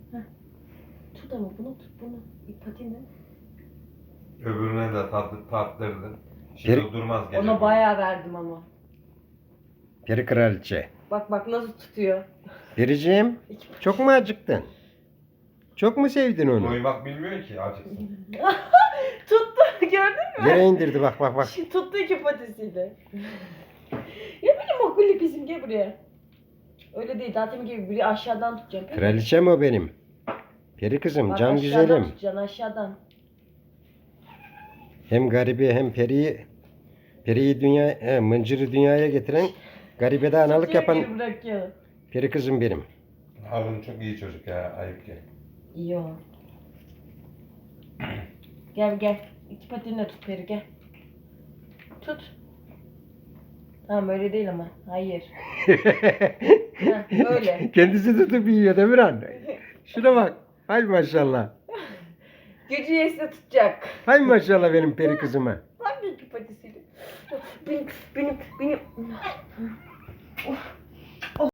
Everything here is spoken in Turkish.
Heh. Tut ama bunu tut bunu. Patini. Öbürüne de tattırdın. Şimdi durmaz gece. Ona bayağı verdim ama. Peri kraliçe. Bak nasıl tutuyor. Periciğim, çok mu acıktın? Çok mu sevdin onu? Doymak bilmiyor ki acıksın. Tuttu gördün mü? Yere indirdi bak. Şimdi tuttu iki patisiyle. Ya benim okullu kızım gel buraya. Öyle değil zaten gibi biri aşağıdan tutacağım. Kraliçem o benim. Peri kızım, Bak, can aşağıdan güzelim. tutacaksın aşağıdan. Hem garibi hem periyi mıncırı dünyaya getiren, garibede analık Tutuyor, yapan geri bırakıyor. peri kızım benim. Harun çok iyi çocuk ya. Ayıp ki. İyi o. Gel. İki patinle tut peri gel. Tut. Tamam öyle değil ama. Hayır. Heh, öyle. Kendisi tutup yiyor Demirhan. Şuna bak. Hay maşallah. Gücü yetse tutacak. Hay maşallah benim peri kızıma. Hangi iki patisiyle? Benim.